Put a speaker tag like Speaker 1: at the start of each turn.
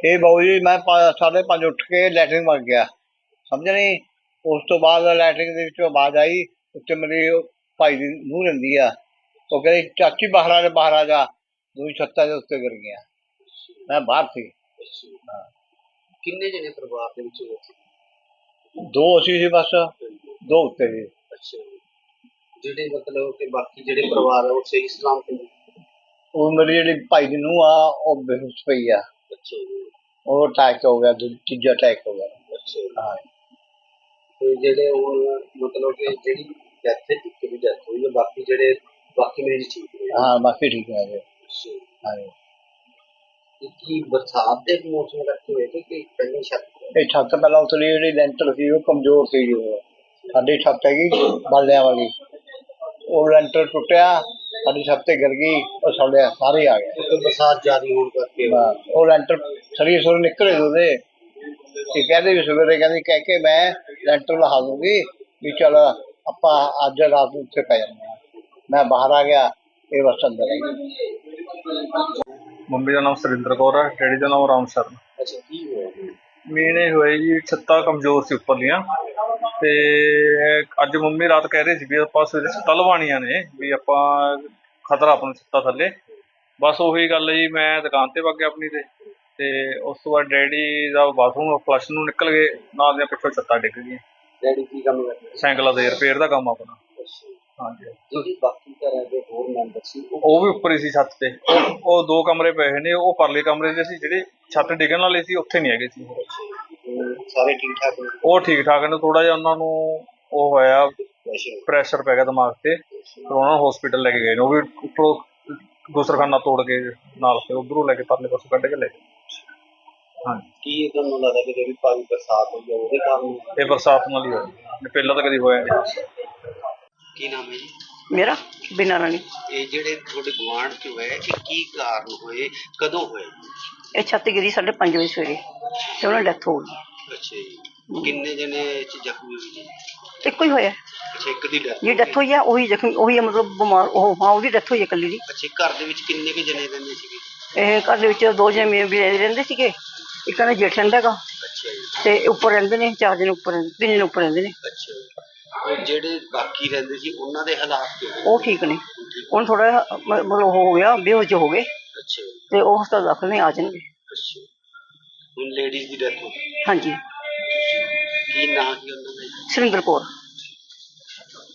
Speaker 1: ਇਹ ਬਾਊ ਜੀ ਮੈਂ 5:30 ਉੱਠ ਕੇ ਲੈਟਰਿੰਗ ਵਗ ਗਿਆ, ਸਮਝ ਨਹੀਂ। ਉਸ ਤੋਂ ਬਾਅਦ ਲੈਟਰਿੰਗ ਦੇ ਵਿੱਚੋਂ ਆਵਾਜ਼ ਆਈ, ਉੱਤੇ ਮੇਰੀ ਉਹ ਭਾਈ ਦੀ ਨੂੰਹ ਰਹਿੰਦੀ ਆ, ਉਹ ਕਹਿੰਦੀ ਚਾਚੀ ਬਾਹਰ ਆ ਜਾ। ਦੂਜੀ ਛੱਤਾਂ ਦੇ ਉੱਤੇ ਗਿਰ ਗਿਆ, ਮੈਂ ਬਾਹਰ ਸੀ।
Speaker 2: ਕਿੰਨੇ ਜਣੇ ਪਰਿਵਾਰ ਦੇ ਵਿੱਚ ਹੋਏ ਸੀ?
Speaker 1: 2 ਅਸੀਂ ਸੀ ਬਸ, 2 ਉੱਤੇ ਸੀ।
Speaker 2: ਅੱਛਾ, ਜਿਹੜੇ ਮਤਲਬ ਕਿ ਬਾਕੀ ਜਿਹੜੇ ਪਰਿਵਾਰ ਆ ਉਹ ਸਹੀ ਸਲਾਮਤ ਨੇ?
Speaker 1: ਉਹ ਮੇਰੀ ਜਿਹੜੀ ਭਾਈ ਦੀ ਨੂੰਹ ਆ ਉਹ ਬੇਹੋਸ਼ ਪਈ ਆ।
Speaker 2: ਅੱਛਾ ਜੀ।
Speaker 1: ਉਹ ਅਟੈਕ ਹੋ ਗਿਆ, ਤੀਜਾ ਅਟੈਕ ਹੋ ਗਿਆ।
Speaker 2: ਅੱਛਾ।
Speaker 1: ਹਾਂ।
Speaker 2: ਤੇ ਜਿਹੜੇ ਉਹ ਮਤਲਬ ਕਿ ਜਿਹੜੀ ਡੈਥ ਦੀ ਡੈਥ ਹੋਈ ਹੈ, ਬਾਕੀ ਮਰੀਜ਼ ਠੀਕ ਨੇ?
Speaker 1: ਹਾਂ, ਬਾਕੀ ਠੀਕ ਹੈ ਜੀ।
Speaker 2: ਅੱਛਾ।
Speaker 1: ਹਾਂ।
Speaker 2: ਕੀ ਬਰਸਾਤ ਦੇ ਮੌਸਮ ਕਰਕੇ ਹੋਏ ਕਿ ਪਹਿਲੀ ਛੱਤ?
Speaker 1: ਇਹ ਛੱਤ ਪਹਿਲਾਂ ਉਤਲੀ, ਜਿਹੜੀ ਲੈਂਟਰ ਸੀ ਉਹ ਕਮਜ਼ੋਰ ਸੀ। ਉਹ ਸਾਡੀ ਛੱਤ ਹੈਗੀ ਬਾਲਿਆਂ ਵਾਲੀ, ਉਹ ਲੈਂਟਰ ਟੁੱਟਿਆ, ਸਾਡੀ ਛੱਤ ਤੇ ਗਿਰ ਗਈ, ਉਹ ਸਾਡੇ ਸਾਰੇ ਆ ਗਏ।
Speaker 2: ਬਰਸਾਤ ਜ਼ਿਆਦਾ ਹੋਣ ਕਰਕੇ
Speaker 1: ਉਹ ਲੈਂਟਰ ਸਰੀਰ ਸੁਰ ਨਿਕਲੇ ਉਹਦੇ। ਇਹ ਕਹਿੰਦੇ ਵੀ ਸਵੇਰੇ ਕਹਿ ਕੇ ਮੈਂ ਲੈਂਟਰ ਲਹਾ ਦੂੰਗੀ ਵੀ ਚੱਲ ਆਪਾਂ ਅੱਜ ਰਾਤ ਨੂੰ ਉੱਥੇ ਪੈ ਜਾਂਦੇ ਹਾਂ। ਮੈਂ ਬਾਹਰ ਆ ਗਿਆ, ਇਹ ਬਸ ਅੰਦਰ ਹੈ।
Speaker 3: ਮੰਮੀ ਦਾ ਨਾਮ ਸੁਰਿੰਦਰ ਕੌਰ ਹੈ, ਡੈਡੀ ਦਾ ਨਾਮ ਰਾਮ ਸ਼ਰਨ।
Speaker 2: ਅੱਛਾ, ਕੀ ਹੋਇਆ?
Speaker 3: ਮੇਨ ਇਹ ਹੋਇਆ ਜੀ, ਛੱਤਾਂ ਕਮਜ਼ੋਰ ਸੀ ਉੱਪਰਲੀਆਂ, ਤੇ ਅੱਜ ਮੰਮੀ ਰਾਤ ਕਹਿ ਰਹੇ ਸੀ ਵੀ ਆਪਾਂ ਸਵੇਰੇ ਛੱਤਾਂ ਲਵਾਉਣੀਆਂ ਨੇ, ਵੀ ਆਪਾਂ ਖਤਰਾ ਆਪਾਂ ਨੂੰ ਛੱਤਾਂ ਥੱਲੇ। ਬਸ ਉਹੀ ਗੱਲ ਜੀ, ਮੈਂ ਦੁਕਾਨ ਤੇ ਵਗ ਗਿਆ ਆਪਣੀ ਤੇ ਉਸ ਤੋਂ ਬਾਅਦ ਡੈਡੀ ਦਾ ਬਾਥਰੂਮ ਫਲਸ਼ ਨੂੰ ਨਿਕਲ ਗਏ, ਨਾਲ ਦੀਆਂ ਪਿੱਛੋਂ ਛੱਤਾਂ ਡਿੱਗ ਗਈਆਂ।
Speaker 2: ਡੈਡੀ ਕੀ ਕੰਮ ਕਰਦੇ?
Speaker 3: ਸਾਈਕਲਾਂ ਦੇ ਰਿਪੇਅਰ ਦਾ ਕੰਮ ਆਪਣਾ। ਹਾਂਜੀ।
Speaker 2: ਜਿਹੜੀ ਬਾਕੀ ਘਰਾਂ ਦੇ ਹੋਰ ਮੈਂਬਰ ਸੀ
Speaker 3: ਉਹ ਵੀ ਉੱਪਰ ਹੀ ਸੀ ਛੱਤ ਤੇ। ਉਹ 2 ਕਮਰੇ ਪਏ ਨੇ, ਉਹ ਪਰਲੇ ਕਮਰੇ ਦੇ ਸੀ, ਜਿਹੜੇ ਛੱਤ ਡਿੱਗਣ ਵਾਲੇ ਸੀ ਉੱਥੇ ਨਹੀਂ ਹੈਗੇ ਸੀ।
Speaker 2: ਸਾਰੇ ਠੀਕ ਠਾਕ ਨੇ?
Speaker 3: ਉਹ ਠੀਕ ਠਾਕ ਨੇ, ਥੋੜਾ ਜਿਹਾ ਉਹਨਾਂ ਨੂੰ ਉਹ ਹੋਇਆ, ਪ੍ਰੈਸ਼ਰ ਪੈ ਗਿਆ ਦਿਮਾਗ ਤੇ, ਫਿਰ ਉਹਨਾਂ ਨੂੰ ਹਸਪੀਟਲ ਲੈ ਕੇ ਗਏ ਨੇ। ਉਹ ਵੀ ਉੱਪਰੋਂ ਗੁਸਰਖਾਨਾ ਤੋੜ ਕੇ ਨਾਲ, ਫਿਰ ਉੱਧਰੋਂ ਲੈ ਕੇ ਪਰਲੇ ਪਾਸੋਂ ਕੱਢ ਕੇ ਲੈ ਗਏ। ਹਾਂਜੀ।
Speaker 2: ਕੀ ਤੁਹਾਨੂੰ ਲੱਗਦਾ ਕਿ ਜਿਹੜੀ ਭਾਰੀ ਬਰਸਾਤ ਹੋਈ ਹੈ ਉਹਦੇ ਕਾਰਨ?
Speaker 3: ਇਹ ਬਰਸਾਤ ਨਾਲ ਹੀ ਹੋਇਆ, ਪਹਿਲਾਂ ਤਾਂ ਕਦੀ ਹੋਇਆ ਨਹੀਂ।
Speaker 2: ਕੀ ਨਾਮ ਹੈ ਜੀ?
Speaker 4: ਮੇਰਾ ਬਿਨਾਂ ਰਾਣੀ।
Speaker 2: ਇਹ ਜਿਹੜੇ ਤੁਹਾਡੇ ਗੁਆਂਢ ਚ ਹੋਏ, ਇਹ ਕੀ ਕਾਰਨ ਹੋਏ, ਕਦੋਂ ਹੋਏ?
Speaker 4: ਇਹ ਛੱਤ ਗਿਰੀ 5:30 ਵਜੇ ਸਵੇਰੇ, ਤੇ ਉਹਨਾਂ ਦੀ ਡੈਥ ਹੋ ਗਈ।
Speaker 2: ਅੱਛਾ ਜੀ। ਕਿੰਨੇ ਜਣੇ ਇਹ ਚ ਜ਼ਖਮੀ ਹੋਏ ਜੀ?
Speaker 4: ਇੱਕੋ ਹੀ ਹੋਇਆ।
Speaker 2: ਅੱਛਾ, ਇੱਕ ਦੀ ਡੈਥ?
Speaker 4: ਜੀ ਡੈਥ ਹੋਈ ਆ, ਉਹੀ ਜ਼ਖਮੀ, ਉਹੀ ਮਤਲਬ ਬਿਮਾਰ। ਉਹ ਹਾਂ, ਉਹਦੀ ਡੈਥ ਹੋਈ ਹੈ ਇਕੱਲੀ ਦੀ।
Speaker 2: ਅੱਛਾ, ਘਰ ਦੇ ਵਿੱਚ ਕਿੰਨੇ ਕੁ ਜਣੇ ਰਹਿੰਦੇ ਸੀਗੇ?
Speaker 4: ਇਹ ਘਰ ਦੇ ਵਿੱਚ 2 ਜਣੇ ਰਹਿੰਦੇ ਸੀਗੇ, ਇੱਕ ਕਹਿੰਦਾ ਜੇਠ ਰਹਿੰਦਾ ਹੈਗਾ।
Speaker 2: ਅੱਛਾ ਜੀ।
Speaker 4: ਤੇ ਉੱਪਰ ਰਹਿੰਦੇ ਨੇ 4 ਜਣੇ, ਉੱਪਰ 3 ਜਣੇ ਉੱਪਰ ਰਹਿੰਦੇ ਨੇ।
Speaker 2: ਅੱਛਾ ਜੀ। ਉਹ ਜਿਹੜੇ ਬਾਕੀ ਰਹਿੰਦੇ ਸੀ ਉਹਨਾਂ ਦੇ ਹਾਲਾਤ ਕਿਵੇਂ?
Speaker 4: ਉਹ ਠੀਕ ਨੇ। ਹੁਣ ਥੋੜਾ ਮਤਲਬ ਹੋ ਗਿਆ, ਬੇਹੋਸ਼ ਹੋ ਗਏ।
Speaker 2: ਅੱਛਾ ਜੀ।
Speaker 4: ਤੇ ਉਹ ਹਸਪਤਾਲ ਦਾਖਲ ਨੇ, ਆ ਜਾਣਗੇ।
Speaker 2: ਅੱਛਾ, ਹੁਣ ਲੇਡੀਜ਼ ਦੀ ਡੈਥ ਹੋ ਗਈ?
Speaker 4: ਹਾਂਜੀ।
Speaker 2: ਕੀ ਨਾਂ ਸੀ ਉਹਨਾਂ ਦਾ?
Speaker 4: ਸੁਰਿੰਦਰ ਕੌਰ।